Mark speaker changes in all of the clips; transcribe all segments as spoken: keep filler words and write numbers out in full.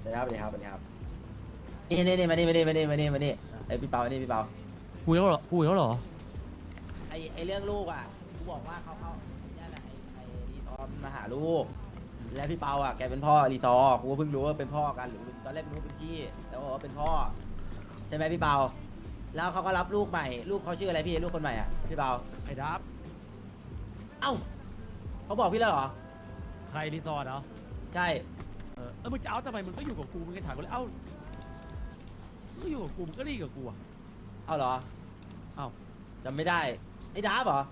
Speaker 1: ครับสวัสดีครับสวัสดีครับนี่นี่นี่มานี่มานี่มานี่มานี่มานี่ไอพี่เปานี่พี่เปา
Speaker 2: คุยแล้วเหรอคุยแล้วเหรอ
Speaker 1: ไอไอเรื่องลูกอ่ะกูบอกว่าเขาเขาเนี่ยแหละไอไอรีซอร์มาหาลูกแล้วพี่เปาอ่ะแกเป็นพ่อรีซอร์กูก็เพิ่งรู้ว่าเป็นพ่อกันหรือตอนแรกไม่รู้เป็นพี่แล้วบอกว่าเป็นพ่อใช่ไหมพี่เปาแล้วเขาก็รับลูกใหม่ลูกเขาชื่ออะไรพี่ลูกคนใหม่อ่ะพี่เปา
Speaker 2: ไอ้ดับ
Speaker 1: เอ้าเขาบอกพี่แล้วเหรอ
Speaker 2: ใครรีสอร์ทเหรอ
Speaker 1: ใช่
Speaker 2: เออแล้วมึงจะเอาทำไมมึงก็อยู่กับกูมึงก็ถามกูเลยเอ้ามึงก็อยู่กับกูมึงก็ดีกับกูอ่ะ
Speaker 1: เอาเหรอ
Speaker 2: เอ้า
Speaker 1: จำไม่ได้ไอ้ดาบเหรอ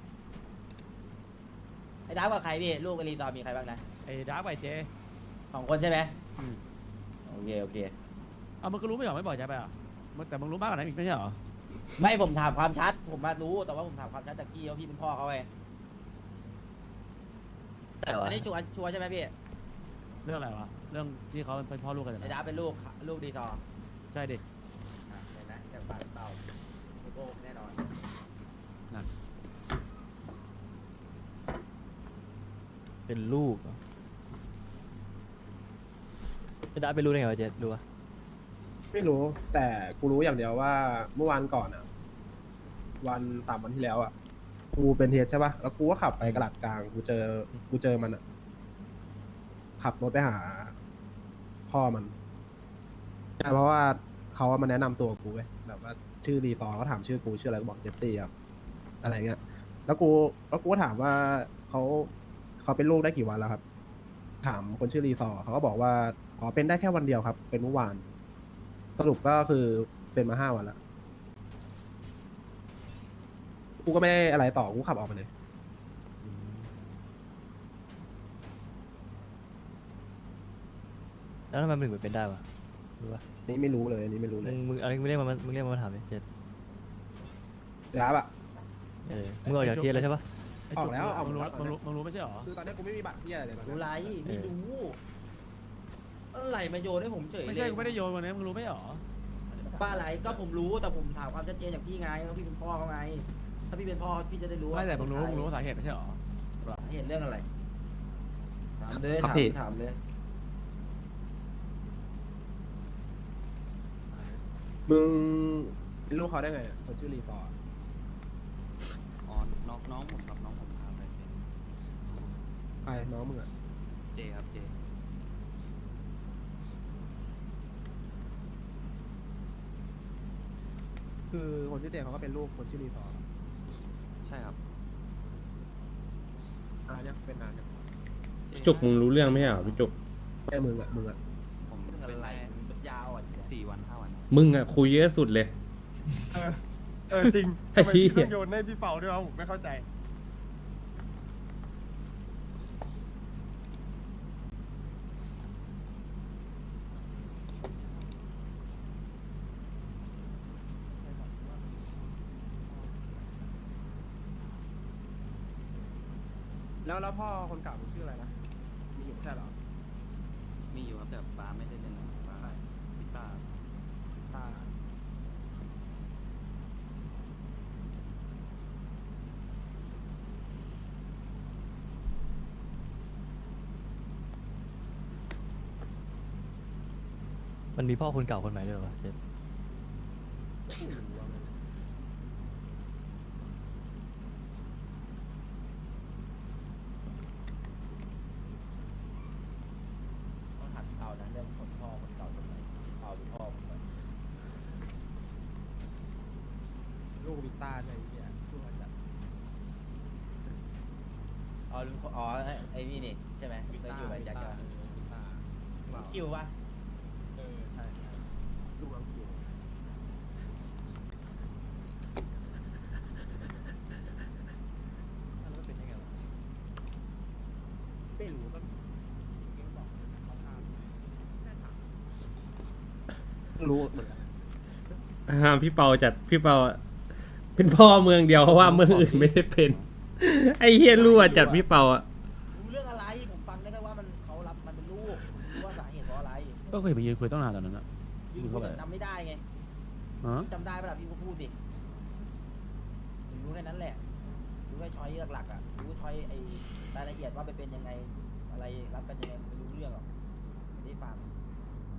Speaker 1: ไอ้ดาบกับใครพี่ลูกไอรีซอร์มีใครบ้างนะ
Speaker 2: ไอ้ดับไอ้เจ
Speaker 1: สองคนใช่ไหม
Speaker 2: อืม
Speaker 1: โอเคโอเค
Speaker 2: เอามึงก็รู้ไม่เหรอไม่บอกใช่ไหมอ่ะมึงแต่มึงรู้มากกว่านั้นอีกไม่ใช่เหรอ
Speaker 1: ไม่ผมถามความชัด ผมมารู้แต่ว่าผมถามความชัดจากพี่ว่าพี่เป็นพ่อเขาไง
Speaker 3: แต่ว่า
Speaker 1: อันนี้ชัวร์ชัวร์ใช่ไหมพี่
Speaker 2: เรื่องอะไรวะเรื่องที่เขาเป็นพ่อลูกกัน
Speaker 1: ไอ้
Speaker 2: นะ
Speaker 1: ดาเป็นลูกลูกดีซอร์
Speaker 2: ใช่ดิ
Speaker 1: อ่ะเห็นนะจากปากเปาไอโก้แน่นอน
Speaker 3: เป็นลูกเหรอจะได้ไปรู้ได้ไงวะเจ๊รู้ปะ
Speaker 4: ไม่รู้แต่กูรู้อย่างเดียวว่าเมื่อวานก่อนอะวันสามวันที่แล้วอะกูเป็นเฮดใช่ปะแล้วกูก็ขับไปกระดาษกลางกูเจอกูเจอมันอะขับรถไปหาพ่อมันใช่เพราะว่าเขามาแนะนำตัวกูเว้ยแบบว่าชื่อรีซอร์เขาถามชื่อกูชื่ออะไรก็บอกเจฟตี้ครับอะไรเงี้ยแล้วกูแล้วกูก็ถามว่าเขาเขาเป็นลูกได้กี่วันแล้วครับ ถามคนชื่อรีซอร์เขาก็บอกว่าอ๋อเป็นได้แค่วันเดียวครับ เป็นเมื่อวาน สรุปก็คือเป็นมาห้าวันแล้ว กูก็ไม่ได้อะไรต่อ กูขับออกมาเลย
Speaker 3: แล้วทำไมมันถึงเป็นได้วะรู้ปะ
Speaker 4: นี่ไม่รู้เลยอันนี้ไม่รู้เล
Speaker 3: มึ
Speaker 4: ย
Speaker 3: งมึงอะไรมึงเรียกมันมึงเรียกมันมาถามดิเจ๊
Speaker 4: แล้วอะ
Speaker 3: เออมึงออกจากเทียแล้วใช่ปะ
Speaker 2: ไจุ
Speaker 4: ออกแล้วออก
Speaker 2: มึงรู้
Speaker 4: แล้ว
Speaker 2: มึงรู้มึงรู้ไม่ใช่เหรอ
Speaker 4: คือตอนนี้กูไม่มีบัตรที่อะไรเลยตอน
Speaker 1: รู้
Speaker 4: นี้
Speaker 1: ไรไม่รู้อะไรมาโยนให้ผมเฉย
Speaker 2: ไม่ใช่กูไม่ได้โยนวันนี้มึงรู้ไม่เหรอ
Speaker 1: ป้าอะไรก็ผมรู้แต่ผมถามความชัดเจนจากพี่ไงว่าพี่เป็นพ่อเขาไง ถ้าพี่เป็นพ่อพี่จะได้รู้ว่า
Speaker 2: ไม่แต่มึงรู้มึงรู้สาเหตุไม่ใช่เหรอ
Speaker 1: เห็นเรื่องอะไรถามเลย
Speaker 3: ครับ
Speaker 1: ถาม
Speaker 3: พี่
Speaker 1: ถามเลย
Speaker 4: มึงเป็นลูกเขาได้ไงอะคนชื่อรีซอร์
Speaker 5: อ๋อ น้องน้องผมครับน้องผมพาไปเป็น
Speaker 4: ใครน้องมึงอะ
Speaker 5: เจครับเจ
Speaker 4: คือคนชื่อเจเขาก็เป็นลูกคนชื่อรีซอร์
Speaker 5: ใช่ครับ
Speaker 4: อ่าเนี่ยเป็นนานเนี่ย
Speaker 5: เจ
Speaker 6: จุกมึงรู้เรื่องไหมอ่ะพี่จุก
Speaker 4: แม่มึงอะมึงอะ
Speaker 5: ผม
Speaker 1: เรื่อง
Speaker 5: เป็น
Speaker 1: อะไร
Speaker 5: แม่
Speaker 1: มันยาวอ่ะ
Speaker 5: สี่วันห้าวัน
Speaker 6: มึงอ่ะคุยเยอะสุดเลย
Speaker 7: เออจริง
Speaker 6: ไอ้
Speaker 7: ทำไม
Speaker 6: เหี้ย
Speaker 7: พี่ต้องโยนให้พี่เปาด้วยวะผมไม่เข้าใจ
Speaker 4: แล้วแล้วพ่อคนเก่ามึงชื่ออะไรนะ มีอยู่ไม่ใช่เหรอ
Speaker 5: มีอยู่ครับแต่บาร์ไม่ได้เล่นนะบาร์พิต้า
Speaker 4: ตา
Speaker 3: มันมีพ่อคนเก่าคนใหม่ด้วยเหรอวะเจ๊
Speaker 1: ต้องถามพี่เปานะเรื่องคนพ่อคนเก่าคนไหนเปาเป็นพ่อผมก่อน
Speaker 4: ลูกวิต้าใช่ไหมเนี่ยลูกอะไรจัด
Speaker 1: อ๋อลุงอ๋อไอ้ไอ้นี่นี่ใช่ไหมเคยอยู่กับแจ็คใช่ไหม
Speaker 4: วิต้า
Speaker 1: คิวปะ
Speaker 4: เออใช่ใช่ลูกน้องคิว
Speaker 3: แล้วมันเป็นยังไงวะ
Speaker 4: ไม่รู้ก็เกมบอกเขาทำแค่ถามรู้เหมือนกัน
Speaker 6: ห้ามพี่เปาจัดพี่เปาเป็นพ่อเมืองเดียวเพราะว่าเมืองอื่นไม่ได้เป็น ไอ้เฮียรั่วจัดพี่เปาอ่ะ
Speaker 1: รู้เรื่องอะไรผมฟังได้แค่ว่ามันเขารับมันเป็นลูกผมไม่รู้ว่าสาเหตุเพราะอะไร
Speaker 2: ก็เคยไปยืนคุยตั้งนานตอนนั้นอะ
Speaker 1: พี่
Speaker 2: มึง
Speaker 1: พู
Speaker 2: เข้า
Speaker 1: ด
Speaker 2: ไป
Speaker 1: แต่จำไม่ได้ไง
Speaker 2: ฮะ
Speaker 1: พี่จำได้ปะล่ะพี่ก็พูดดิผมรู้แค่นั้นแหละรู้แค่ช้อยหลักๆอ่ะรู้ช้อยไอ้รายละเอียดว่าไปเป็นยังไงอะไรรับกันยังไงผมไม่รู้เรื่องหรอกไม่ได้ฟัง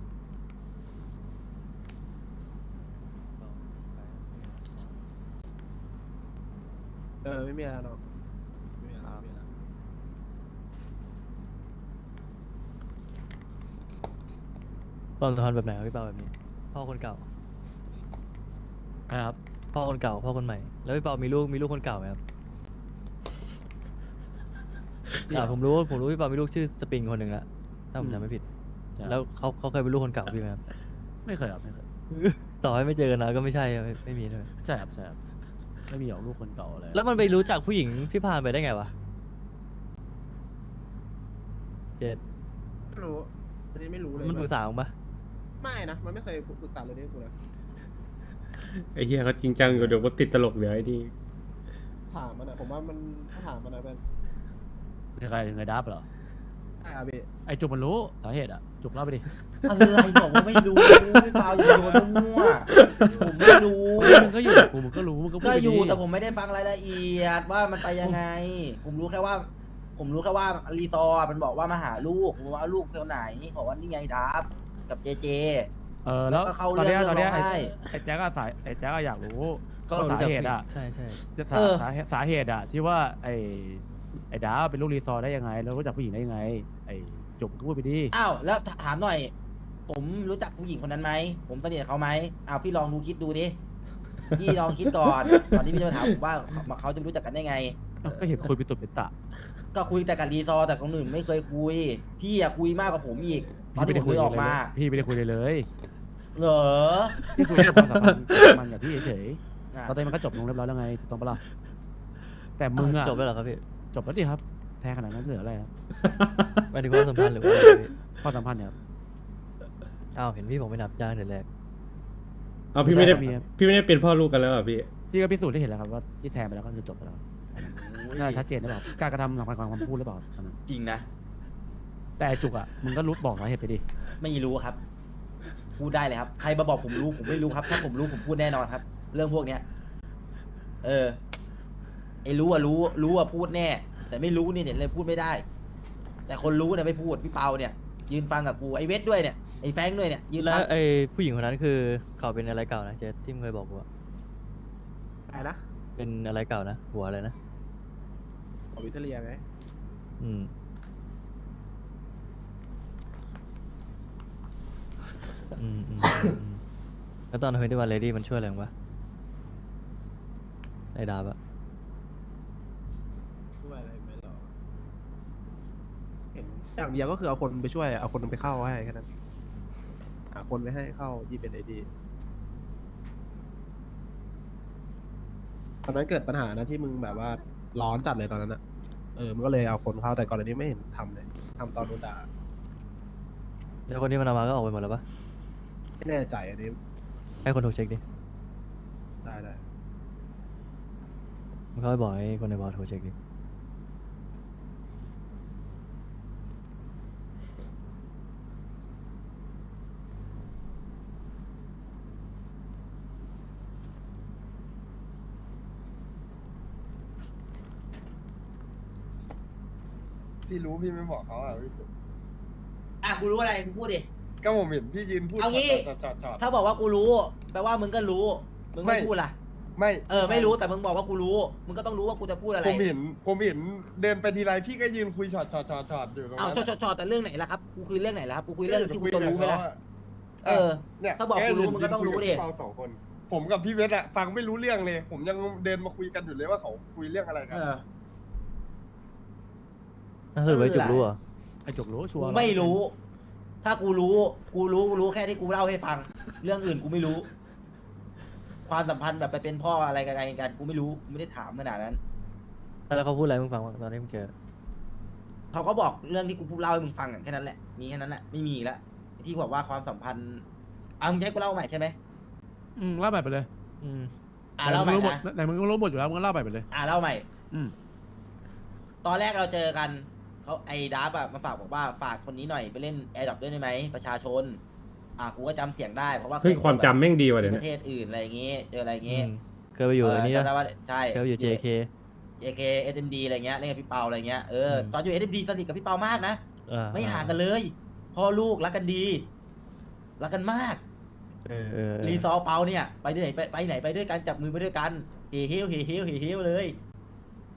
Speaker 4: อไม่มีอะไรหรอกไม่มีอะไรไม่มีอะไร
Speaker 3: ความสัมพันธ์แบบไหนครับพี่เปาแบบนี้ พ่อคนเก่า
Speaker 2: นะครับ
Speaker 3: พ่อคนเก่า พ่อคนใหม่ แล้วพี่เปามีลูก มีลูกคนเก่าไหมครับอ่าผมรู้ ผมรู้พี่เปามีลูกชื่อสปริงคนหนึ่งละถ้าผมจำไม่ผิด
Speaker 2: ใช่
Speaker 3: แล้วเขาเขาเคยเป็นลูกคนเก่าพี่ไหมครับ
Speaker 2: ไม่เคยครับไม่เคย
Speaker 3: ต่อให้ไม่เจอกันนะก็ไม่ใช่ไม่ไม่มีใช่ไหม
Speaker 2: ใช่ครับใช่ครับไม่มีหรอกลูกคนเก่าอะไร
Speaker 3: แล้วมันไปรู้จักผู้หญิงที่ผ่านไปได้ไงวะ เจ็ด
Speaker 4: ไม่รู้อันนี้ไม่รู้เลย
Speaker 3: มันปรึกษาผมปะ
Speaker 4: ไม่นะ มันไม่เคยปรึกษาเลยด้วยกูนะ
Speaker 6: ไอ้เหี้ยเขาจริงจังอยู่เดี๋ยวก็ติดตลกเดี๋ยวไอ้นี่
Speaker 4: ถามมันอะผมว่ามันถ้าถามมันอะเป็น
Speaker 2: คือใครถึงไอ้ดับเหรอ
Speaker 4: ใช่อะพี่
Speaker 2: ไอ้จุกมันรู้สาเหตุอ่ะจุกเล่าไปดิ
Speaker 1: อะไรบอกว่าไม่รู้พี่เปาอยู่โดนมั่วผมไม่รู้
Speaker 2: มึงก็อยู่กับกูมึงก็รู้มึงก็พูด
Speaker 1: ก็
Speaker 2: ไป
Speaker 1: อยู่
Speaker 2: ดิ
Speaker 1: แต่ผมไม่ได้ฟังรายละเอียดว่ามันไปยังไง ผมรู้แค่ว่า ผมรู้แค่ว่ารีซอร์มันบอกว่ามาหาลูกผมว่าลูกเท่าไหนบอกว่านี่ไงดับกับเจเจ
Speaker 2: เออแล้ว
Speaker 1: แล้วก็เข้า
Speaker 2: ตอนเนี้ย
Speaker 1: เรื่อง
Speaker 2: ตอนเนี้ย
Speaker 1: ร้องไห้
Speaker 2: ไอ้ไอ้แจ๊กอะสายไอ้แจ๊กอะอยากรู้
Speaker 3: ก็
Speaker 2: ว่า
Speaker 3: รู้
Speaker 2: สา
Speaker 3: จัก
Speaker 2: เหตุอะ
Speaker 3: ใช่ใช่
Speaker 2: จะสา
Speaker 1: เออ
Speaker 2: สาเหตุสาเหตุอะที่ว่าไอ้ไอ้ดาเป็นลูกรีซอร์ได้ยังไง แล้วรู้จักผู้หญิงได้ยังไง ไอ้จุกก็พูดไปดิ
Speaker 1: อ้าวแล้วถามหน่อย ผมรู้จักผู้หญิงคนนั้นไหมผมสนิทกับเขาไหมอ้าวพี่ลองดูคิดดูดิพี่ลองคิดก่อนตอนที่พี่จะมาถามผมว่าเขาเขาจะรู้จักกันได้ไง
Speaker 2: เอ้าก็เห็นคุยไปตุดเป็นตะ
Speaker 1: ก็คุยแต่กับรีซอร์แต่คนอื่นไม่เคยคุย พี่อะคุยมากกว่าผมอีกตอน
Speaker 2: พี่ไม่
Speaker 1: ที่
Speaker 2: ได้
Speaker 1: ผม
Speaker 2: คุย
Speaker 1: เคย
Speaker 2: เล
Speaker 1: อย อกมา
Speaker 2: พี่ไม่ได้คุยเลยเลย
Speaker 1: เหรอ
Speaker 2: พี่คุยแค่ความสัมพันธ์มันกับพี่เฉย
Speaker 1: อ่ะ
Speaker 2: ๆตอนนี้มันก็จบลงเรียบร้อยแล้วไงถูกต้องปะล่ะแต่มึงอะ
Speaker 3: จบแล้วเหรอครับพี่
Speaker 2: จบแล้วดิครับแพ้ขนาดนั้นเหลืออะไรครับ
Speaker 3: หมายถึงความสัมพันธ์หรือว่าอะไรพี่
Speaker 2: ความสัมพันธ์เนี่ย
Speaker 3: อ้าวเห็นพี่ผมไม่นับย่างเดือนแรก
Speaker 6: เอาพี่ไม่ได้
Speaker 2: ไม่ใช่ครับ
Speaker 6: พี่ไม่ได้เป็นพ่อลูกกันแล้วเหรอพี่
Speaker 2: พี่ก็พิสูจน์ได้เห็นแล้วครับว่าที่แทงไปแล้วก็คือจบไปแล้ว
Speaker 1: โอ้ย
Speaker 2: น่าชัดเจนหรือเปล่าการกระทำหลังความความพูดหรือเปล่าอันนั้น
Speaker 1: จริงนะ
Speaker 2: แต่ไอ้จุกอ่ะมึงก็รู้บอกสาเหตุไปดิ
Speaker 1: ไม่รู้ครับ พูดได้เลยครับ ใครมาบอกผมรู้ผมไม่รู้ครับ ถ้าผมรู้ผมพูดแน่นอนครับ เรื่องพวกเนี้ย เออ ไอ้รู้อะรู้ รู้อะพูดแน่ แต่ไม่รู้นี่เนี่ยเลยพูดไม่ได้ แต่คนรู้เนี่ยไม่พูดพี่เปาเนี่ย ยืนฟังกับกูไอ้เวทด้วยเนี่ยไอ้แฟงด้วยเนี่ยยืน
Speaker 3: แล้
Speaker 1: ฟั
Speaker 3: ว
Speaker 1: ง
Speaker 3: ไอ้ผู้หญิงคนนั้นคือเขาเป็นอะไรเก่านะเจสที่มึงเคยบอกกูอะ
Speaker 4: อะไรนะ
Speaker 3: เป็นอะไรเก่านะหัวอะไรนะ
Speaker 4: ของวิทเลียไง
Speaker 3: อืมอืมอืมอืมอืมแล้วตอนทเวนตี้วันเลดี้มันช่วยอะไรมึงปะไอ้ดาบอะ
Speaker 4: ช่วยอะไรไหมหรอเห็นอย่างเดียวก็คือเอาคนไปช่วยเอาคนไปเข้าให้แค่นั้นหาคนไปให้เข้ายี่เป็นไอดีตอนนั้นเกิดปัญหานะที่มึงแบบว่าร้อนจัดเลยตอนนั้นอะเออมันก็เลยเอาคนเข้าแต่ก่อนอันนี้ไม่เห็นทำเลยทำตอนโดนด่า
Speaker 3: แล้วคนที่มันเอามาก็ออกไปหมดแล้วปะ
Speaker 4: ไม่แน่ใจอันนี้
Speaker 3: ให้คนโทรเช็คดิ
Speaker 4: ได้ได้
Speaker 3: มึงเข้าไปบอกให้คนในบอร์ดโทรเช็คดิ
Speaker 7: พี่รู้พี่ไม่บอกเขาอ่ะพี่
Speaker 1: อ่ะกูรู้อะไรกูพูดดิ
Speaker 7: ก็ผมเห็นพี่ยืนพูด
Speaker 1: เอางี้
Speaker 7: จอดจอดจอด
Speaker 1: ถ้าบอกว่ากูรู้ แปลว่ามึงก็รู้ มึงไม่
Speaker 7: ไม่
Speaker 1: พูดล่ะ
Speaker 7: ไม่
Speaker 1: เออไม่รู้แต่มึงบอกว่ากูรู้ มึงก็ต้องรู้ว่ากูจะพูดอะไร
Speaker 7: ผมเห็นผมเห็นเดินไปทีไรพี่ก็ยืนคุยจอดจอดจอดจอดอยู่ตรง
Speaker 1: เอา
Speaker 7: นั้น
Speaker 1: จอดจอดจอดแต่เรื่องไหนล่ะครับ กูคุยเรื่องไหนล่ะครับ กูคุยเรื่องที่กูจะรู้ไหมล่ะ
Speaker 7: อะ
Speaker 1: เออ
Speaker 7: เนี่ย
Speaker 1: ถ้าบอกกูรู้มึงก็ต้องรู้ดิ
Speaker 7: แค่เห็นยืนคุยกับพี่เปาสองคน ผมกับพี่เวทอะฟังไม่รู้เรื่องเลย ผมยังเดินมาคุยกันอยู่เลยว่าเขาคุยเรื่องอะไรกัน
Speaker 3: น่าสรุปไว้จุกรู้เหรอ
Speaker 2: ไอ้จุกรู้ชัว
Speaker 1: กู
Speaker 2: ร์
Speaker 1: ไม่รู้ ถ้ากูรู้ กูรู้กูรู้แค่ที่กูเล่าให้ฟัง เรื่องอื่นกูไม่รู้ ความสัมพันธ์แบบไปเป็นพ่ออะไรกันกัน กูไม่รู้กูไม่ได้ถามขนาดนั้น
Speaker 3: แล้วเขาพูดอะไรมึงฟังบ้างตอนที่มึงเจอ
Speaker 1: เขาก็บอกเรื่องที่กูพูดเล่าให้มึงฟังอะแค่นั้นแหละ มีแค่นั้นแหละ ไม่มีอีกแล้วที่บอกว่าความสัมพันธ์อ่ะมึงจะให้กูเล่าใหม่ใช่ไหม
Speaker 2: อืมเล่าใหม่ไปเลย
Speaker 3: อืม
Speaker 1: อ่ะเล่าใหม่
Speaker 2: ไหนมึงรู้หมด
Speaker 1: นะ
Speaker 2: ไหนมึงก็รู้หมดอยู่แล้วมึงก็เล่าใหม่ไปเลย
Speaker 1: อ่ะเล่าใหม่
Speaker 2: อืม
Speaker 1: ตอนแรกเราเจอกันเขาไอ้ดับอะมาฝากบอกว่าฝากคนนี้หน่อยไปเล่นแอร์ดรอปด้วยได้ไหมประชาชน อ่ะกูก็จำเสียงได้เพราะว่า
Speaker 6: เฮ้ยความจำแม่งดีว่ะเดี๋ยว
Speaker 1: ป
Speaker 6: นี้
Speaker 1: ระเทศอื่นอะไรอย่างงี้ เจออะไรอย่าง
Speaker 3: อื
Speaker 1: งี้
Speaker 3: มเคยไปอยู่ไอ้นี่
Speaker 1: เจำ
Speaker 3: นะ
Speaker 1: ได้ว่าใช่
Speaker 3: เคยไปอยู่ เจ เค
Speaker 1: เจ เค เอส เอ็ม ดี อะไรเงี้ยเล่นกับพี่เปาอะไรเงี้ยเออ
Speaker 3: อืม
Speaker 1: ตอนอยู่ เอส เอ็ม ดี สนิทกับพี่เปามากนะ
Speaker 3: อ่
Speaker 1: ไม่ห่างกันเลยพ่อลูกรักกันดีรักกันมาก
Speaker 3: เออเออเออ
Speaker 1: รีซอร์เปาเนี่ยไปด้วยไหนไปไปไหนไปด้วยกันจับมือไปด้วยกันเฮเฮลเฮเฮลเฮเฮลเลย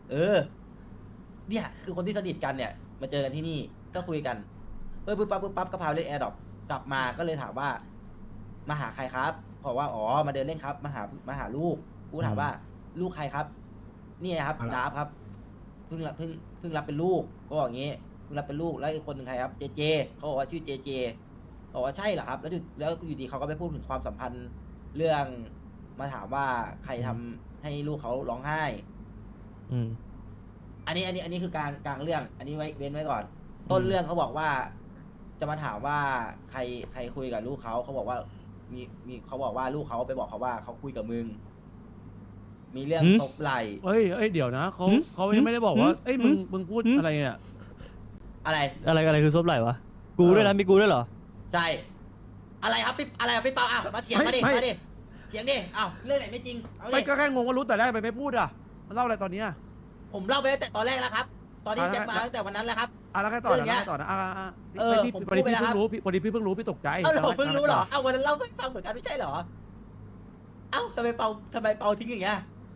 Speaker 1: เออ เนี่ยคือคนที่สนิทกันเนี่ย มาเจอกันที่นี่ก็คุยกันเพิ่มปุ๊บปั๊บปุ๊บปั๊บก็พาเล่นแอร์ดรอปกลับมาก็เลยถามว่า มาหาใครครับบอกว่าอ๋อมาเดินเล่นครับมาหามาหาลูกกูถามว่าลูกใครครับนี่ครับดาบครับเพิ่งรับเพิ่งเพิ่งรับเป็นลูกก็บอกอย่างงี้เพิ่งรับเป็นลูกแล้วอีกคนหนึ่งใครครับเจเจเขาบอกว่าชื่อเจเจบอกว่าใช่เหรอครับ แล้วอยู่แล้วอยู่ดีเขาก็ไปพูดถึงความสัมพันธ์เรื่องมาถามว่าใครทำให้ลูกเขาร้องไห้
Speaker 3: อืม
Speaker 1: อันนี้อันนี้อันนี้คือกลางกลางเรื่อง อันนี้ไว้เว้นไว้ก่อน ต้นเรื่องเขาบอกว่า จะมาถามว่าใครใครคุยกับลูกเขาเขาบอกว่า มีมีเขาบอกว่าลูกเขาไปบอกเขาว่าเขาคุยกับมึง มีเรื่อง
Speaker 3: หืม
Speaker 1: ตบไหล
Speaker 2: เอ้ยเอ้ยเดี๋ยวนะเขา
Speaker 3: หืม
Speaker 2: เขายังไม่ได้บอกว่า
Speaker 3: หืม
Speaker 2: เอ้ยมึง
Speaker 3: หืม
Speaker 2: มึงพูด
Speaker 3: หืม
Speaker 2: อะไรเนี่ย
Speaker 1: อะไร
Speaker 3: อะไรอะไรคือซบไหลวะ กูด้วยนะมีกูด้วยเหรอ
Speaker 1: ใช่ อะไรครับพี่อะไรครับพี่เปาอ้าวมาเถียงมาดิ
Speaker 2: ไม่
Speaker 1: มาดิเถียงดิอ้าวเรื่องไหนไม่จริงเอา
Speaker 2: ไม่
Speaker 1: ดิ
Speaker 2: ก็แค่งงว่ารู้แต่แรกไปไม่พูดอ่ะมันเล่าอะไรตอนเนี้ย
Speaker 1: ผมเล่าไปตั้งแต่ตอนแรกแล้วครับ ตอนนี้
Speaker 2: อ่า
Speaker 1: แจ็คมา
Speaker 2: แล้ว
Speaker 1: ตั้งแต่วันนั้นแล้วครับ
Speaker 2: อ่ะแล้วใครต่อ
Speaker 1: เรื่
Speaker 2: นะ
Speaker 1: องเนี้
Speaker 2: แล้ว
Speaker 1: ย
Speaker 2: ใครต่อนะอ่าอ่า
Speaker 1: เออ
Speaker 2: พี่
Speaker 1: ผม
Speaker 2: พอดี
Speaker 1: พูดไป
Speaker 2: พี่
Speaker 1: แล้ว
Speaker 2: เพิ่
Speaker 1: ครับ
Speaker 2: งรู้พี่พอดีพี่เพิ่งรู้พี่ตกใจ
Speaker 1: เอ้าเหรอ
Speaker 2: แล้ว
Speaker 1: เพิ่งรู้เหรอ
Speaker 2: ต่
Speaker 1: เอ้าวันนั้นเล่าให้ฟังเหมือนกันไม่ใช่เหรอ เอ้าทำไมเปาทำไมเปาทิ้งอย่างเงี้ย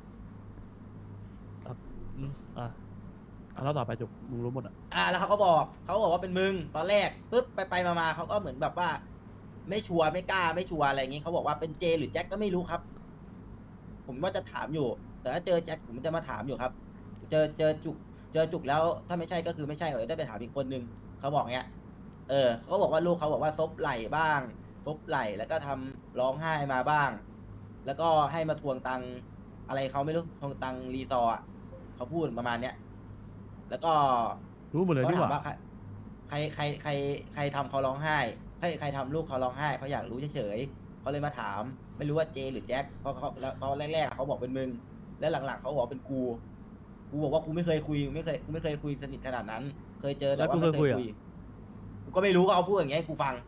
Speaker 3: อืมอ่ะ
Speaker 2: อ่ะแล้วต่อไปจุกมึงรู้หมดอ่ะ
Speaker 1: อ่าแล้วเขาก็บอกเขาก็บอกว่าเป็นมึงตอนแรกปุ๊บไปไปมามาเขาก็เหมือนแบบว่า ไม่ชัวร์ไม่กล้าไม่ชัวร์อะไรอย่างงี้เขาบอกว่าเป็นเจหรือแจ็คก็ไม่รู้ครับ ผมว่าจะถามอยู่ แต่ถ้าเจอแจ็คผมจะมาถามอยู่ครับ เจอเจอจุกเจอจุกแล้วถ้าไม่ใช่ก็คือไม่ใช่เออได้ไปถามอีกคนนึงเขาบอกเงี้ย เออเขาบอกว่าลูกเขาบอกว่าซบไหล่บ้างซบไหล่แล้วก็ทำร้องไห้มาบ้าง แล้วก็ให้มาทวงตังค์อะไรเขาไม่รู้ทวงตังค์รีซอร์อะเขาพูดประมาณเนี้ยแล้วก็
Speaker 2: รู้หมดเลย
Speaker 1: เขา
Speaker 2: ดีก
Speaker 1: ถาม
Speaker 2: ว่า
Speaker 1: ว่าใครใครใครใครใครทำเขาร้องไห้ใครใครทำลูกเขาร้องไห้เขาอยากรู้เฉยๆเขาเลยมาถาม ไม่รู้ว่าเจหรือแจ็คเพราะเขาแล้วเพราะแรกๆเขาบอกเป็นมึง แล้วหลังๆเขาบอกเป็นกู กูบอกว่ากูไม่เคยคุยไม่เคยกูไม่เคยคุยสนิทขนาดนั้น เคยเจอแต่ว่าไม่เคยคุยกูก็ไม่รู้ก็เอาพูดอย่างเงี้ยให้กูฟัง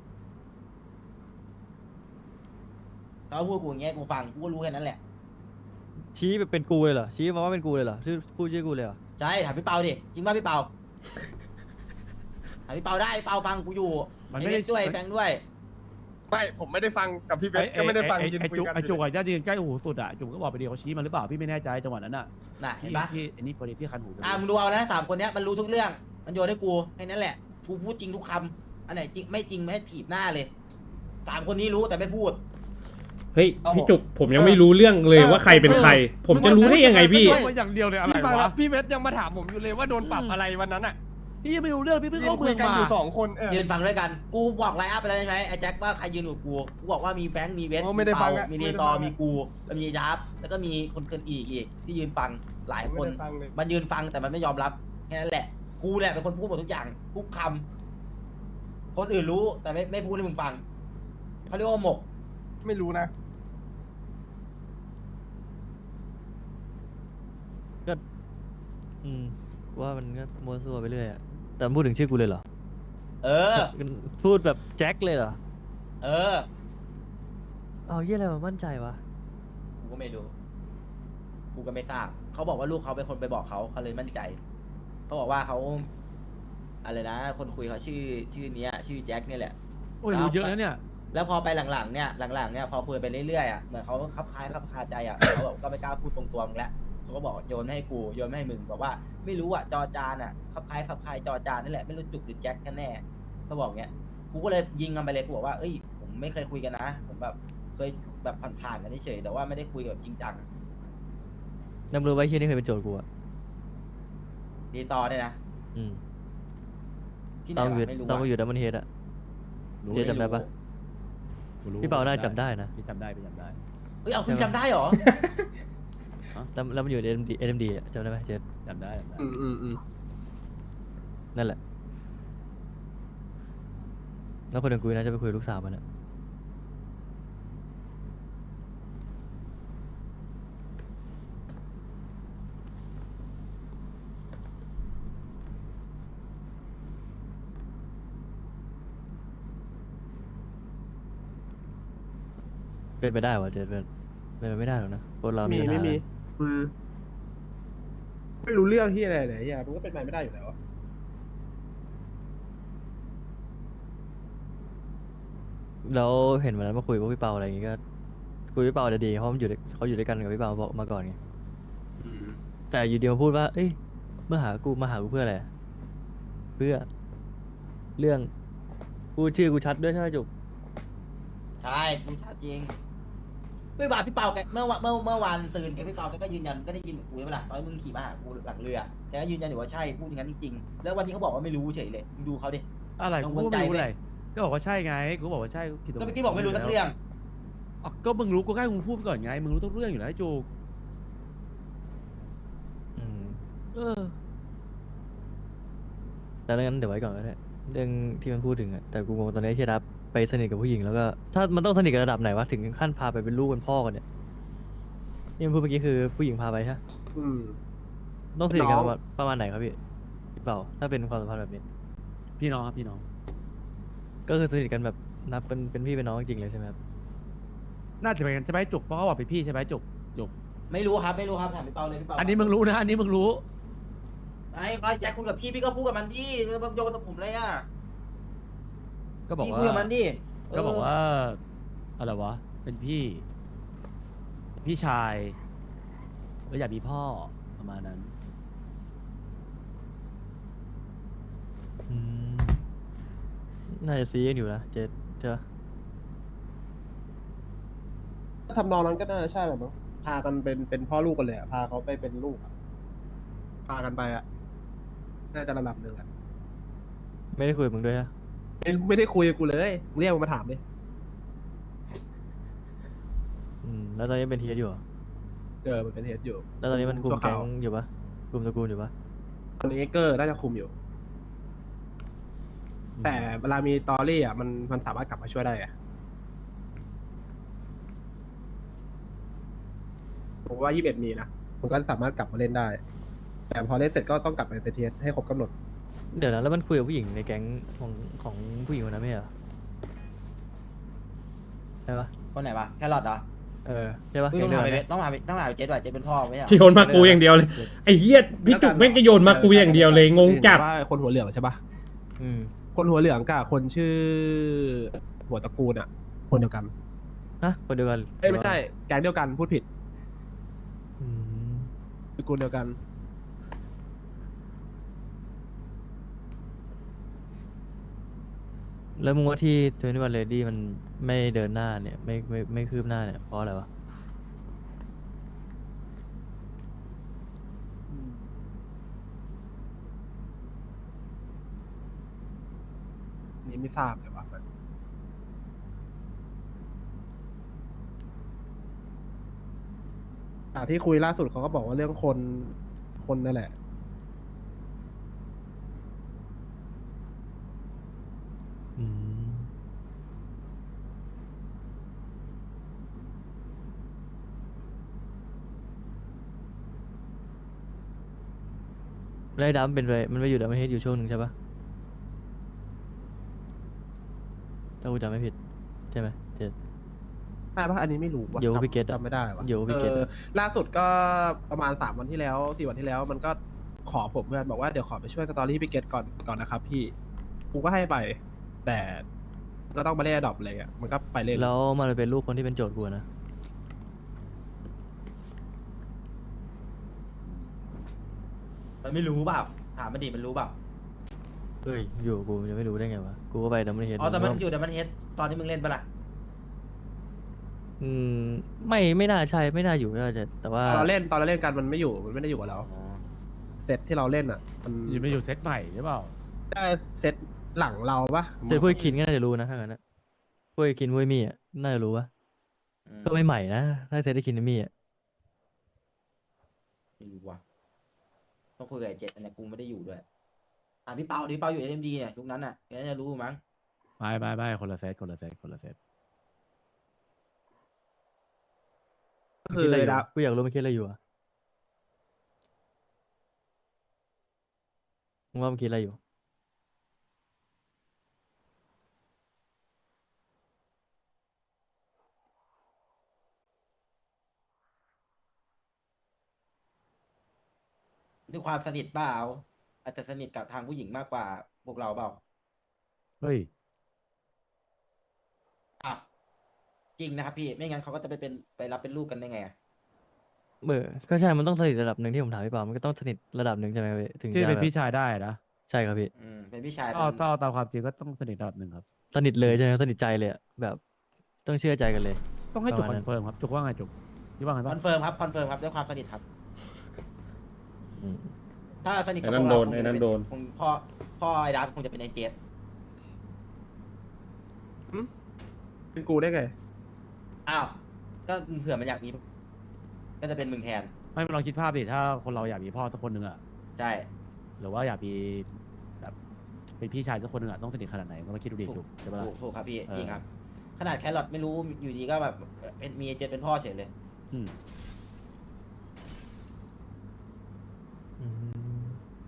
Speaker 1: เขาพูดกูอย่างเงี้ยให้กูฟังกูก็รู้แค่นั้นแหละ
Speaker 3: ชี้ไปเป็นกูเลยเหรอ ชี้มาว่าเป็นกูเลยเหรอชื่อพูดชื่อกูเลยเหรอ
Speaker 1: ใช่ถามพี่เปาดิจริงป่ะพี่เปาถามพี่เปาได้พี่เปาฟังกูอยู่
Speaker 2: มัน
Speaker 1: ไอ้
Speaker 2: ไม่
Speaker 1: เว
Speaker 2: ได้
Speaker 1: ทด้วยแฟงด้วย
Speaker 7: ไม่ผมไม่ได้ฟังกับพี่เบ
Speaker 2: ไอ้
Speaker 7: สก็ไม่ได้ฟัง
Speaker 2: ไอ้
Speaker 7: ยืน
Speaker 2: ไอ้
Speaker 7: คุย
Speaker 2: จุก
Speaker 7: กัน
Speaker 2: ไอ้จุก
Speaker 7: อยู่
Speaker 2: อ่ะญาติยืนใกล้หูสุดอ่ะจุกก็บอกไปดีเขาชี้มาหรือเปล่าพี่ไม่แน่ใจจังหวะนั้นอ่ะ
Speaker 1: น่ะเห็น
Speaker 2: พี่
Speaker 1: ปะ
Speaker 2: พี่อันนี้พอดีพี่คันหูพอดี
Speaker 1: อ่ะมึงดูเอานะสามคนเนี้ยมันรู้ทุกเรื่อง มันโยนให้กูแค่นั้นแหละ กูพูดจริงทุกคำอันไหนจริงไม่จริงไม่ให้ถีบหน้าเลยสามคนนี้รู้แต่ไม่พูด
Speaker 6: เฮ้ยพี่จุกผมยังไม่รู้เรื่องเลยว่าใครเป็นใคร ผมจะรู้ได้ยังไงพี่
Speaker 2: ม่ว่าอย่างเดียวเลยอะไร
Speaker 7: พี่ฟัง
Speaker 2: วะ
Speaker 7: แล้วพี่เบสยังมาถามผมอยู่เลยว่าโดนปรับอะไรวันนั้นอ่ะ
Speaker 2: พี่ยังไม่รู้เรื่องพี่เพิ่ง
Speaker 7: ยืน
Speaker 2: เข้า
Speaker 7: คุ
Speaker 2: เมื
Speaker 7: ย
Speaker 2: อง
Speaker 7: กัน
Speaker 2: มา
Speaker 7: อยู่สองคนเออ
Speaker 1: ยืนฟังด้วยกัน กูบอกไลน์อัพไปแล้วใช่ไหมไอ้แจ็คว่าใครยืนอยู่กู กูบอกว่ามีแฟรงค์มีเวส
Speaker 7: โอ้ไม่ได้ฟัง
Speaker 1: เปา
Speaker 7: อะ
Speaker 1: มี
Speaker 7: ไม่
Speaker 1: เน
Speaker 7: ได้
Speaker 1: ซอ
Speaker 7: ฟังอะ
Speaker 1: มีกูแล้วมียับแล้วก็มีคนเกินอีกอีกที่ยืนฟังหลายคน
Speaker 7: ไม่ได้ฟังเลย
Speaker 1: มันยืนฟังแต่มันไม่ยอมรับแค่นั้นแหละ กูแหละเป็นคนพูดหมดทุกอย่างทุกคำคนอื่นรู้แต่ไม่ไม่พูดให้มึงฟังเขาเรียกว่าหมก
Speaker 7: ไม่รู้นะ
Speaker 3: ก็ อืมว่ามันก็มัวซั่วไปเรื่อยอะแต่พูดถึงชื่อกูเลยเหรอ
Speaker 1: เออ
Speaker 3: พูดแบบแจ็คเลยเหรอ
Speaker 1: เออ
Speaker 3: เอาเยี่ยอะไรมามั่นใจวะ
Speaker 1: กูก็ไม่รู้ กูก็ไม่ทราบ เขาบอกว่าลูกเขาเป็นคนไปบอกเขาเขาเลยมั่นใจ เขาบอกว่าเขาอะไรนะ คนคุยเขาชื่อชื่อเนี้ย ชื่อแจ็คเนี่ยแหละ
Speaker 2: โอ้ยรู้เยอะนะเนี่ย
Speaker 1: แล้วพอไปหลังๆเนี่ยหลังๆเนี่ยพอคุยไปเรื่อยๆอ่ะเหมือนเขาคับคล้ายคับคาใจอ่ะ เขาบอกก็ไม่กล้าพูดตรงๆมึงแล้วเขาก็บอกโยนให้กูโยนไม่ให้มึงบอกว่าไม่รู้อ่ะจอจานอ่ะคับคล้ายคับคายจอจานนี่แหละไม่รู้จุกหรือแจ็คกันแน่เขาบอกเงี้ยกูก็เลยยิงกันไปเลยกูบอกว่าเอ้ยผมไม่เคยคุยกันนะผมแบบเคยแบบผ่านๆกันเฉยๆแต่ว่าไม่ได้คุยแบบจริงจัง
Speaker 3: น้ำรู้ไว้เชี่ยนี่เคยเป็นโจทย์กูอะ
Speaker 1: รีซอร์เนี่ยนะ
Speaker 3: อืม
Speaker 1: ที่ไหน
Speaker 3: ต้องอยู่
Speaker 1: วะไม่รู้
Speaker 3: ต้อง
Speaker 1: ว่ะ
Speaker 3: อยู่ดับเบิลเฮดอะ
Speaker 2: รู้
Speaker 3: เจ๊จำได้ปะ
Speaker 2: กูรู้
Speaker 3: พี่เปาน่าจำได้นะ
Speaker 2: พี่จำได้พี่จำได้
Speaker 1: เอ้ยเอาคุณจำได้เหรอ
Speaker 3: แล้วแล้วมันอยู่ในเอ็มดีเอ็มดีจำได้ไหมเจ๊
Speaker 2: จำได้จำได้
Speaker 7: อืมอืมอืม
Speaker 3: นั่นแหละ แล้วคนหนึ่งกูนะจะไปคุยกับลูกสาวมันอะเป็นไปได้วะเจ๊เป็นเป็นไปไม่ได้หรอกนะคนเรามี
Speaker 4: มี
Speaker 3: ปัญหา
Speaker 4: ไม่มีอืมไม่รู้เรื่องที่อะไรเลยอย่ามันก็เป็นไปไม่ได้อยู่แล้วอะ
Speaker 3: แล้วเห็นวันนั้นมาคุยกับพี่เปาอะไรอย่างงี้ก็คุยกับพี่เปาจะดีเพราะมันอยู่ด้วยเขาอยู่ด้วยกันกับพี่เปาบอกมาก่อนไง
Speaker 4: อืม
Speaker 3: แต่อยู่ดีมาพูดว่า เอ้ยมาหากูมาหากูเพื่ออะไรอะเพื่อ เรื่องพูดชื่อกูชัดด้วยใช่ไหมจุก
Speaker 1: ใช่กูชัดจริงไม่ว่าพี่เปาแกเมื่อวันเมื่อเมื่อวันซืนแกพี่เปาแกก็ยืนยันก็ได้ยินกับกูใช่ไหมล่ะตอนที่มึงขี่มาหากูหลังเรือแกก็ยืนยันอยู่ว่าใช่พูดอย่างนั้นจริงๆแล้ววันนี้เขาบอกว่าไม่รู้เฉยเลยมึงดูเขาดิ
Speaker 2: อะไร
Speaker 1: กั
Speaker 2: กู
Speaker 1: งว
Speaker 2: ก็
Speaker 1: ลใจ
Speaker 2: ไม่รู้
Speaker 1: ไหม
Speaker 2: อะไรก็บอกว่าใช่ไงกูบอกว่าใช่ผิดตรง
Speaker 1: ก็
Speaker 2: ไหน
Speaker 1: เมื่อกี้บอกไม่รู้สักเรื่อง
Speaker 2: อ๋อก็มึงรู้กูแค่มึงพูดก่อนไงมึงรู้ทุกเรื่องอยู่แล้วไอ้จูก
Speaker 3: อืม
Speaker 2: เออ
Speaker 3: แต่เรื่องนั้นเดี๋ยวไว้ก่อนก็ได้เรื่องที่มันพูดถึงอะแต่กูงงตอนนี้เชียดับไปสนิทกับผู้หญิงแล้วก็ถ้ามันต้องสนิทกันระดับไหนวะถึงขั้นพาไปเป็นลูกเป็นพ่อกันเนี่ยนี่มันพูดเมื่อกี้คือผู้หญิงพาไปใช่ปะ
Speaker 4: อืม
Speaker 3: ต้องสนิทกัน
Speaker 4: น้อง
Speaker 3: ประมาณประมาณไหนครับพี่พี่เปล่าถ้าเป็นความสัมพันธ์แบบนี้
Speaker 2: พี่น้องครับพี่น้อง
Speaker 3: ก็คือสนิทกันแบบนับเป็นเป็นพี่เป็นน้องจริงเลยใช่ไหมครับ
Speaker 2: น่าจะเป็นกันใช่ไหมจุกเพราะเขาบอกเป็นพี่ใช่ไหมจุกจุก
Speaker 1: ไม่รู้ครับไม่รู้ครับถามพี่เปาเลยพี่เปา
Speaker 2: อันนี้มึงรู้นะอันนี้มึงรู้
Speaker 1: ไอ้ก็แจ็คคุณกับพี่พี่ก็พูดกับมันดิมันโยนกับผมเลยอ่ะ
Speaker 2: ก็บอก
Speaker 1: พี่
Speaker 2: ว่า
Speaker 1: คุยกับมันดิ
Speaker 2: ก็บอก
Speaker 1: เ
Speaker 2: ว่าอะไรวะเป็นพี่ พี่ชายแล้วอยากมีพ่อประมาณนั้น
Speaker 3: อืมน่าจะซีกันอยู่นะเจใช่ปะ
Speaker 4: ทำนองนั้นก็น่าจะใช่แหละมั้งพากันเป็นเป็นพ่อลูกกันเลยอะพาเขาไปเป็นลูกอะพากันไปอะน่าจะระดับหนึ่งอะ
Speaker 3: ไม่ได้คุยกับมึงด้วยฮะ
Speaker 4: ไม่ไม่ได้คุยกับกูเลยเรียกมันมาถามดิ
Speaker 3: อืมแล้วตอนนี้เป็นเทียอยู่เหรอ
Speaker 4: เจอมันเป็นเฮดอยู่
Speaker 3: แล้วตอนนี้มันคุม
Speaker 4: ชั่วค
Speaker 3: แก๊
Speaker 4: ราง ว
Speaker 3: อยู่ปะคุมตระกูลอยู่ปะ
Speaker 4: ตอนนี้เกอร์น่าจะคุมอยู่ แต่เวลามีตอรี่อ่ะมันมันสามารถกลับมาช่วยได้อะผมว่ายี่สิบเอ็ดมีนะมันก็สามารถกลับมาเล่นได้ แต่พอเล่นเสร็จก็ต้องกลับไปเป็นเทสให้ครบกำหนด
Speaker 3: เดี๋ยวนะแล้วมันคุยกับผู้หญิงในแก๊งของของผู้หญิงคนนั้นไม่ใช่เหรอใช่ปะ
Speaker 1: คนไหนวะแครอทเหรอ
Speaker 3: เออใช่ปะ
Speaker 1: พี่
Speaker 3: แก๊
Speaker 1: ต้อง ง
Speaker 3: เดียว
Speaker 1: หา
Speaker 3: กัน
Speaker 1: ไป
Speaker 3: เนี่ย
Speaker 1: ต้องหาไปต้องหาไปเจ็ดว่ะเจ็ดเป็นพ่อไม่ใช่เหรอ
Speaker 6: โยนมากูอย่างเดียวเลยไอ้เหี้ยพี่จุกแม่งก็โยนมากูอย่างเดียวเลยงงจัด
Speaker 4: ว่าคนหัวเหลืองใช่ปะ
Speaker 3: อืม
Speaker 4: คนหัวเหลืองกับคนชื่อ หัวตระกูลอ่ะ คนเดียวกัน
Speaker 3: ฮะคนเดียวกัน
Speaker 4: เอ้ยไม่ใช่ แก๊งเดียวกันพูดผิด
Speaker 3: อืม
Speaker 4: ตระกูลเดียวกัน
Speaker 3: แล้วมึงว่าที่ทเวนตี้วันเลดี้มันไม่เดินหน้าเนี่ยไม่ไม่ไม่คืบหน้าเนี่ยเพราะอะไรวะ
Speaker 4: นี่ไม่ทราบเลยว่ามันแต่ที่คุยล่าสุดเขาก็บอกว่าเรื่องคนคนนั่นแหละ
Speaker 3: อืมแล้วไอ้ดัมเป็นไปมันไปอยู่ดัมเฮดอยู่ช่วงหนึ่งใช่ปะถ้ากูจำไม่ผิดใช่ไหมเจ็ด
Speaker 4: ใช่ปะอันนี้ไม่รู้ว่ะ
Speaker 3: เดี๋ยว
Speaker 4: จำ
Speaker 3: ไปเก็ตอะ
Speaker 4: จำไม่ได้ว่ะ
Speaker 3: เดี๋ยวไปเก็ตอะ
Speaker 4: ออล่าสุดก็ประมาณสามวันที่แล้วสี่วันที่แล้ว มันก็ขอผมเพื่อนบอกว่าเดี๋ยวขอไปช่วยสตอรี่พี่เกตก่อนก่อนนะครับพี่กูก็ให้ไป แต่ก็ต้องมาเล่นดรอปเลยอ่ะมันก็ไปเล่น
Speaker 3: แล้วมันเป็นลูกคนที่เป็นโจทย์กูอะนะ
Speaker 1: มันไม่รู้เปล่าถามมันดิมันรู้เปล่า
Speaker 3: เฮ้ยอยู่กับกูมันจะไม่รู้ได้ไงวะกูก็ไปดัมเบิลเฮด
Speaker 1: อ๋อแต่มันอยู่แต่มันเฮดตอนที่มึงเล่นปะล่ะ
Speaker 3: อืมไม่ไม่น่าใช่ไม่น่าอยู่น่าจะแต่ว่า
Speaker 4: ตอนเราเล่นตอนเราเล่นกันมันไม่อยู่มันไม่ได้อยู่กับเราเซตที่เราเล่นอ่ะ มัน
Speaker 2: อยู่ไม่อยู่เซตใหม่หรือเปล่า
Speaker 4: ได้เซตหลังเราปะ
Speaker 3: เจอพวกคินก็น่าจะรู้นะถ้างั้นนะพวกคินพวกมี่อ่ะน่าจะรู้ปะ
Speaker 1: อืม
Speaker 3: ก็ไม่ใหม่นะถ้าเซตได้คินมี่อ่ะ
Speaker 1: ไม่รู้ว่ะต้องคุยกับไอ้เจ็ดอันเนี้ยกูไม่ได้อยู่ด้วยอ่ะพี่เปาดิพี่เปาอยู่เอ็มดีเนี่ยยุคนั้นอ่ะแกน่าจะรู้มั้ง
Speaker 2: ไม่ไม่ไม่คนละเซตคนละเซตคนละเซต
Speaker 4: ก็คือ
Speaker 3: ดอะไรอยู่
Speaker 4: ดับ
Speaker 3: กูอยากรู้มันคิดอะไรอยู่อ่ะมึงว่ามันคิดอะไรอยู่
Speaker 1: ด้วยความสนิทเปล่าอาจจะสนิทกับทางผู้หญิงมากกว่าพวกเราเปล่า
Speaker 2: เฮ้ย
Speaker 1: อ่ะจริงนะครับพี่ไม่งั้นเขาก็จะไปเป็นไปรับเป็นลูกกันได้ไงอะ
Speaker 3: เออก็ใช่มันต้องสนิทระดับหนึ่งที่ผมถามพี่เปามันก็ต้องสนิทระดับหนึ่งใช่ไหมพี่ถึง
Speaker 2: ที่
Speaker 3: จะ
Speaker 2: เป็น
Speaker 3: แบบ
Speaker 2: พี่ชายได้นะ
Speaker 3: ใช่ครับพี่
Speaker 1: อืมเป็นพี่ชาย
Speaker 2: ถ้าเอา
Speaker 1: เป็น
Speaker 2: ถ้าเอาตามความจริงก็ต้องสนิทระดับหนึ่งครับ
Speaker 3: สนิทเลยใช่ไหมสนิทใจเลยอะแบบต้องเชื่อใจกันเลย
Speaker 2: ต้องให้จุก
Speaker 3: ประ
Speaker 2: ค
Speaker 3: มาณ
Speaker 2: อ
Speaker 3: นั้น
Speaker 2: นเฟิร์มครับจุกว่าไงจุกพี่ว่าไง
Speaker 1: ค
Speaker 2: บ้า
Speaker 1: อง นเฟิร์มครับคอนเฟิร์มครับด้วยความสนิทครับ
Speaker 3: อืม
Speaker 1: ถ้าสนิท
Speaker 6: ไอ้
Speaker 1: กับ
Speaker 6: นั่
Speaker 1: พ
Speaker 6: น
Speaker 1: วก
Speaker 6: โด
Speaker 1: เรา
Speaker 6: น
Speaker 1: คง
Speaker 6: ไอ้
Speaker 1: จะ
Speaker 6: นั่น
Speaker 1: เป็น
Speaker 6: โดน
Speaker 1: คงพ่อพ่อไอ้ดับคงจะเป็นไอ้เจส
Speaker 4: เป็นกูได้ไง
Speaker 1: อ้าวก็เผื่อมันอยากมีก็จะเป็นมึงแทน
Speaker 2: ไม่ลองคิดภาพดิถ้าคนเราอยากมีพ่อสักคนหนึ่งอะ
Speaker 1: ใช่
Speaker 2: หรือว่าอยากมีแบบเป็นพี่ชายสักคนหนึ่งอะต้องสนิทขนาดไหนก็ลองคิดดูดิจุกใช่ปะล่ะ
Speaker 1: ถูกถูกครับพี่
Speaker 2: เออ
Speaker 1: จริงครับ ขนาดแครอทไม่รู้อยู่ดีก็แบบเป็นมีไอ้เจสเป็นพ่อเฉยเลย
Speaker 2: อืม
Speaker 3: อืม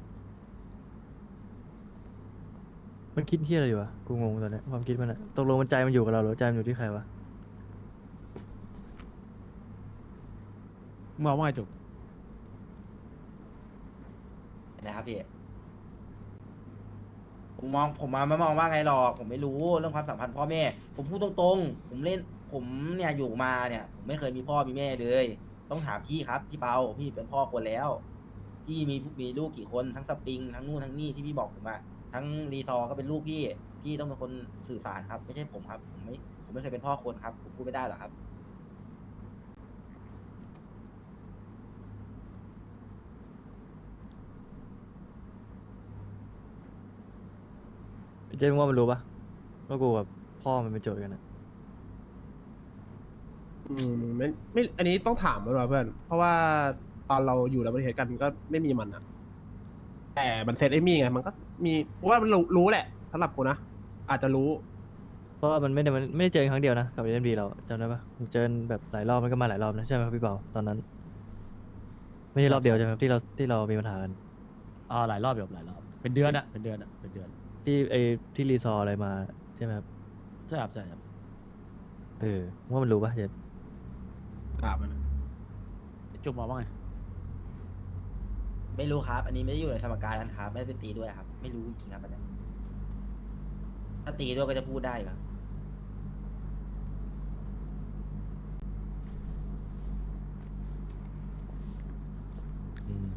Speaker 3: มันคิดที่อะไรอยู่วะกูงงตอนเนี้ยความคิดมันอะตกลงมันใจมันอยู่กับเราหรือใจมันอยู่ที่ใครวะ
Speaker 2: มองว่าไงจุก
Speaker 1: นะครับพี่ผมมองผมมาไม่มองว่าไงหรอกผมไม่รู้เรื่องความสัมพันธ์พ่อแม่ ผมพูดตรงๆ ผมเล่นผมเนี่ยอยู่มาเนี่ย ผมไม่เคยมีพ่อมีแม่เลย ต้องถามพี่ครับพี่เปาพี่เป็นพ่อคนแล้ว พี่มีมีลูกกี่คนทั้งสปริงทั้งนู่นทั้งนี่ที่พี่บอกผมอะทั้งรีซอร์ก็เป็นลูกพี่ พี่ต้องเป็นคนสื่อสารครับไม่ใช่ผมครับผมไม่ผมไม่เคยเป็นพ่อคนครับผมพูดไม่ได้หรอกครับ
Speaker 3: เจ๊มึงว่ามันรู้ปะว่ากูกับพ่อมันเป็นโจทย์กันอะ
Speaker 4: อืมไม่ไม่อันนี้ต้องถามมันว่ะเพื่อน เพราะว่าตอนเราอยู่ในประเทศกันก็ไม่มีมันอะแต่มันเซตไอ้มี่ไงมันก็มีเพราะว่ามันรู้รู้แหละสำหรับกูนะอาจจะรู้
Speaker 3: เพราะว่ามันไม่ได้มันไม่ได้เจอกันครั้งเดียวนะกับเอ็มดีเราจำได้ปะเจอกันแบบหลายรอบมันก็มาหลายรอบนะใช่ไหมครับพี่เปาตอนนั้น ไม่ใช่รอบเดียวใช่ไหมครับที่เราที่เรามีปัญหากัน
Speaker 2: อ่าหลายรอบแบบหลายรอบเป็นเดือนอะเป็นเดือนอะเป็นเดือน
Speaker 3: ที่ไอที่รีซอร์อะไรมาใช่ไหมครับ
Speaker 2: ใช่ครับใช่ครับ
Speaker 3: เออว่ามันรู้ปะเจ๊
Speaker 4: ถามมัน
Speaker 2: จุกมองว่าไง
Speaker 1: ไม่รู้ครับ อันนี้ไม่ได้อยู่ในสมการนั้นครับไม่ได้เป็นตีด้วยครับ ไม่รู้จริงๆครับอันเนี้ยถ้าตีด้วยก็จะพูดได้ครับ
Speaker 3: อืม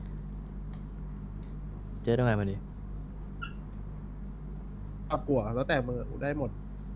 Speaker 3: เจ๊ต้องไงมาดิ
Speaker 4: ก็กลัวแล้วแต่มือได้หมด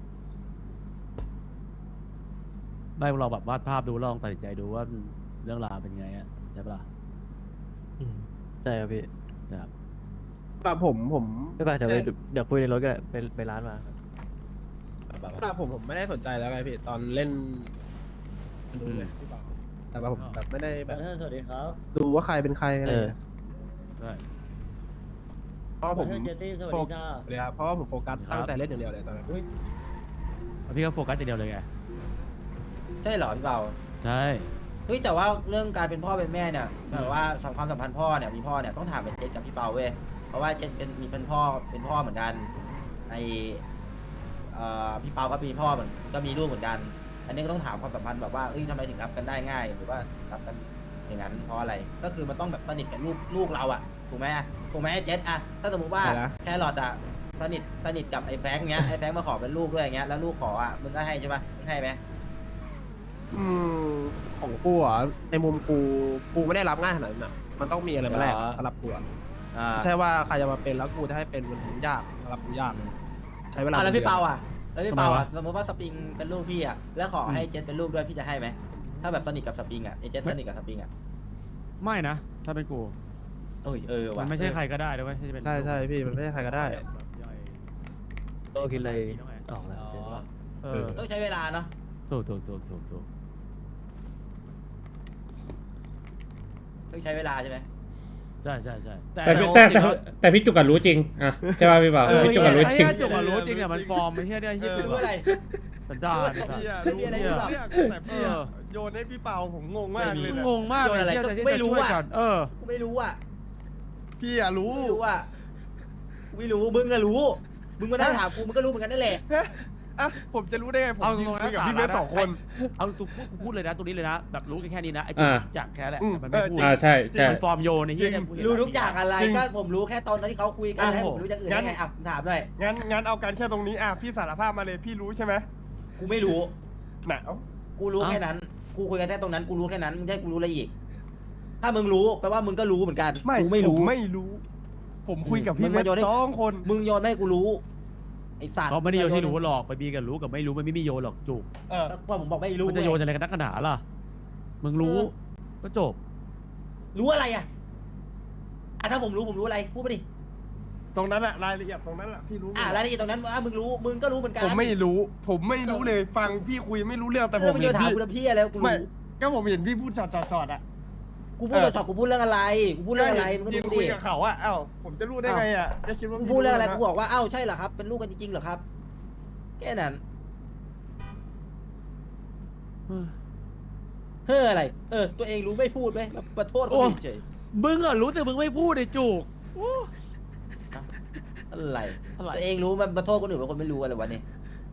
Speaker 2: ไม่ลองแบบวาดภาพดูลองตัดสินใจดูว่าเรื่องราวเป็นไงอะใช่ปะล่ะ
Speaker 3: อืมใช่ครับพี่
Speaker 2: ใช่ครับ
Speaker 4: แบบผมผม
Speaker 3: ไม่ไปเดี๋ยวไปเดี๋ยวคุยในรถก็ได้ไปไปร้านมา
Speaker 4: แบบผมผมไม่ได้สนใจแล้วไงพี่ตอนเล่นดูเลยพี่เปาแต่ว่าผมแบบไม่ได้แบบ
Speaker 8: สวัสดีครับ
Speaker 4: ดูว่าใครเป็นใครอะไร
Speaker 3: เออ
Speaker 4: เงี้ย
Speaker 2: ใช่
Speaker 4: เพราะว่าผม
Speaker 8: เจตี้สวัส
Speaker 4: โฟ
Speaker 8: ดี
Speaker 4: กั
Speaker 8: จ้า
Speaker 4: สเลยครับเพราะว่าผมโฟกัสตั้งใจเล่นอย่างเดียวเลยตอนนั้น
Speaker 2: แล้วพี่ก็โฟกัสอย่างเดียวเลยไง
Speaker 1: ใช่เหรอพี่เปา
Speaker 2: ใช่
Speaker 1: เฮ้ยแต่ว่าเรื่องการเป็นพ่อเป็นแม่เนี่ยแบบว่าสัมความสัมพันธ์พ่อเนี่ยมีพ่อเนี่ยต้องถามเป็นเจสกับพี่เปาเว้ยเพราะว่าเจสเป็นมีเป็นพ่อเป็นพ่อเหมือนกันไอเอ่อพี่เปาก็มีพ่อเหมือนก็มีลูกเหมือนกัน อันนี้ก็ต้องถามความสัมพันธ์แบบว่าเอ้ยทำไมถึงรับกันได้ง่าย หรือว่ารับกันอย่างนั้นเพราะอะไร ก็คือมันต้องแบบสนิทกับลูกลูกเราอะถูกไหมอะถูกไหมไอ้เจสอะถ้าสมมติว่าแครอทอะสนิทสนิทกับไอ้แฟรงค์เงี้ยไอ้แฟรงค์มาขอเป็นลูกด้วยอย่างเงี้ยแล้วลูกขออะมึงก็ให้ใช่ปะมึงให้ไหม
Speaker 4: อืมของกูอ่ะในมุมกูกูไม่ได้รับง่ายขนาดนั้นอ่ะมันต้องมีอะไรมาแลก
Speaker 1: เหรอ
Speaker 4: สำหรับกูอ่ะ
Speaker 1: อ่า
Speaker 4: ไม่ใช่ว่าใครจะมาเป็นแล้วกูจะให้เป็นมันยากสำหรับกูยากใช้เวลา
Speaker 1: อ่ะแล้วพี่
Speaker 4: ดือน
Speaker 1: เปาอ่ะแล้วพี่เปาอ่ะสมมติว่าสปริงเป็นลูกพี่อ่ะแล้วขอให้เจสเป็นลูกด้วยพี่จะให้ไหมถ้าแบบสนิทกับสปริงอ่ะไอเจสสนิทกับสปริงอ่ะ
Speaker 2: ไม่นะ ถ้าเป็นกู
Speaker 1: โอ้ยเออ
Speaker 2: มั
Speaker 1: ว่ะ
Speaker 2: นไม่ใช่ใครก็ได้ด้วยที่จะเป็น
Speaker 4: ใช่ใช่พี่มันไม่ใช่ใครก็ได้
Speaker 3: โตคิดอะไรออกแล้ว
Speaker 1: อ๋
Speaker 3: เจ๊
Speaker 1: อ
Speaker 2: เออ
Speaker 1: ต้องใช้เวลาเนาะ
Speaker 2: ถูกถูกถูกถูกถูก
Speaker 1: ต้องใช้เวลาใช่ไหม
Speaker 2: ใช่ใช่ใช่
Speaker 6: แต่พี่แต่แต่แต่พี่จุกอะรู้จริงอ่ะใช่ป่ะพี่เปา
Speaker 1: เออ
Speaker 6: พี่จุกอะรู้
Speaker 2: ไอ้
Speaker 6: จริง
Speaker 2: เหี้ยจุกอะรู้จริงเนี่ยมันฟอร์มไม่ใช่ได้
Speaker 1: เอ
Speaker 2: เหี้ย
Speaker 1: อ
Speaker 2: จุก
Speaker 1: รู้
Speaker 2: อะ
Speaker 1: อะไร
Speaker 2: สันดาน
Speaker 7: พี่อะ
Speaker 1: ไม่
Speaker 7: รู้
Speaker 1: มีอะไร
Speaker 7: เรื่อง
Speaker 1: หรอก
Speaker 7: แต่พี่อะโยนให้พี่เปาผมงงมากเลย
Speaker 2: ง
Speaker 7: นะ
Speaker 2: งมากเลย
Speaker 1: อะไร
Speaker 2: ที่
Speaker 1: ก็
Speaker 2: จะที่
Speaker 1: ไม่
Speaker 2: จะ
Speaker 1: รู้
Speaker 2: ช่วย
Speaker 1: อะ
Speaker 2: กัน เออ
Speaker 1: กูไม่รู้อ่ะ
Speaker 7: พี่อะรู้
Speaker 1: กูไม่รู้อ่ะกูไม่รู้มึงก็รู้มึงมานั่งถามกูมึงก็รู้เหมือนกันนั่นแหละ
Speaker 7: อ่ะผมจะรู้ได้ไงผม
Speaker 2: เอา
Speaker 7: ยืน
Speaker 2: ตรงๆ
Speaker 7: คุยกับ
Speaker 2: นะ
Speaker 7: พี่เบสสองคน
Speaker 2: เอาตูพูดพูดเลยนะตรงนี้เลยนะแบบรู้กันแค่นี้นะไอ้จุก
Speaker 6: อ่า
Speaker 2: จากแค่แหละ
Speaker 7: อืม
Speaker 2: แต่มันไม่พูด
Speaker 6: อ่าใช่ใช่
Speaker 2: มันฟอร์มโยนในที่เนี่ยกูเห็น
Speaker 1: รู้ทุกอย่างอะไร
Speaker 7: จริง
Speaker 1: ก็ผมรู้แค่ตอนที่เขาคุยกัน
Speaker 2: โอ้โห
Speaker 1: ให้ผมรู้อย่างอื่นได้ไงอ่ะผมถามหน่อย
Speaker 7: งั้นงั้นเอากันแค่ตรงนี้อ่ะพี่สารภาพมาเลยพี่รู้ใช่ไหม
Speaker 1: กูไม่รู้
Speaker 7: หนาว
Speaker 1: กูรู้แค่นั้น กูคุยกันแค่ตรงนั้น กูรู้แค่นั้น มึงจะให้กูรู้อะไรอีกถ้ามึงรู้แปลว่ามึงก็รู้เหมือนกัน
Speaker 7: ไม่
Speaker 1: กูไม่
Speaker 7: ผ
Speaker 1: รู้
Speaker 7: ไม่รู้ ผมคุยกับ
Speaker 1: มึ
Speaker 7: พี่
Speaker 1: ง
Speaker 7: เว
Speaker 1: มา
Speaker 7: ท
Speaker 1: โยนให้
Speaker 7: สองคน
Speaker 1: มึงโยนให้กูรู้ไอ้สัตว์
Speaker 2: เขาไม่ได้โยนให้รู้หรอกไปบีกันรู้กับไม่รู้มันไม่มีโยนหรอกจุก
Speaker 7: เออ
Speaker 1: แล้วพอผมบอกไม่รู้
Speaker 2: มันจะโยนอะไรกันนักกันหนาล่ะ มึงรู้ ก็จบ
Speaker 1: รู้อะไรอ่ะอ่ะถ้าผมรู้ผมรู้อะไรพูดไปดิ
Speaker 7: ตรงนั้นอะรายละเอียดตรงนั้นอะพี่รู้ไหม
Speaker 1: อ่ะรายละเอียดตรงนั้นว่ามึงรู้มึงก็รู้เหมือนกัน
Speaker 7: ผมไม่รู้ ผมไม่รู้เลยฟังพี่คุยไม่รู้เรื่องแต่
Speaker 1: แต่
Speaker 7: ผ
Speaker 1: ผม ม
Speaker 7: เห็
Speaker 1: จะ
Speaker 7: น
Speaker 1: ถาม
Speaker 7: พี่
Speaker 1: กูทำพี่อะไรกู
Speaker 7: ไม่
Speaker 1: รู้
Speaker 7: ก็ผมเห็นพี่พูดจอดจอดจอดอะ
Speaker 1: กูพูดต่อช็อตกูพูดเรื่องอะไรกูพูดเรื่องอะไรมึงก็
Speaker 7: ยืน
Speaker 1: รู้
Speaker 7: คุย
Speaker 1: ดิ
Speaker 7: กับเขาอะเอ้าผมจะรู้ได้ไงอะจะคิดว่า
Speaker 1: กู
Speaker 7: พี่
Speaker 1: พูดเรื่องอะไร
Speaker 7: น
Speaker 1: กูบอกว่าเอ้าใช่เหรอครับเป็นลูกกันจริงๆเหรอครับแค่นั้นเฮ้ออะไรเออตัวเองรู้ไม่พูดไหมแล้วมาโทษคนอื่นเฉย
Speaker 2: มึงอะรู้แต่มึงไม่พูดไอ้จุก
Speaker 1: อะไร
Speaker 2: อะไร
Speaker 1: ตัวเองรู้มันมาโทษคนอื่นว่าคนไม่รู้อะไรวะเนี่ย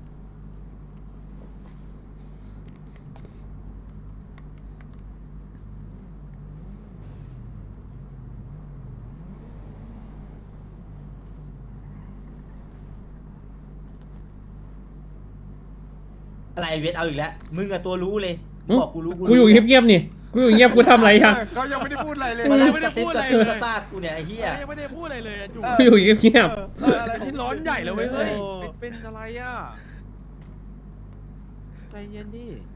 Speaker 1: อะไรเวทเอาอีกแล้วมึงอะตัวรู้เลยกูบอกกูรู้
Speaker 6: กูอยู่เงียบๆนี่กูอยู่เงียบกูทำอะไรอ่ะ
Speaker 7: เออเขายังไม่ได้พูดอะไรเลย
Speaker 1: มา
Speaker 2: ง
Speaker 1: เล่น
Speaker 2: ไม่
Speaker 1: ก
Speaker 2: ได้
Speaker 1: ระซิบ
Speaker 2: พูด
Speaker 1: ก
Speaker 2: อะไร
Speaker 1: ระซิบ
Speaker 2: เลย
Speaker 1: กระซาดกูเนี่ยไอ้เหี้ย
Speaker 2: ยังไม่ได้พูดอะไรเลยอะจุก
Speaker 6: กูอยู่เงียบ
Speaker 7: เอออะไร
Speaker 2: ที่ร้อนใหญ่เลยเว้ยเฮ้ย
Speaker 7: ออ
Speaker 2: เป็นเป็นอะไรอ่ะใจเย็นดิ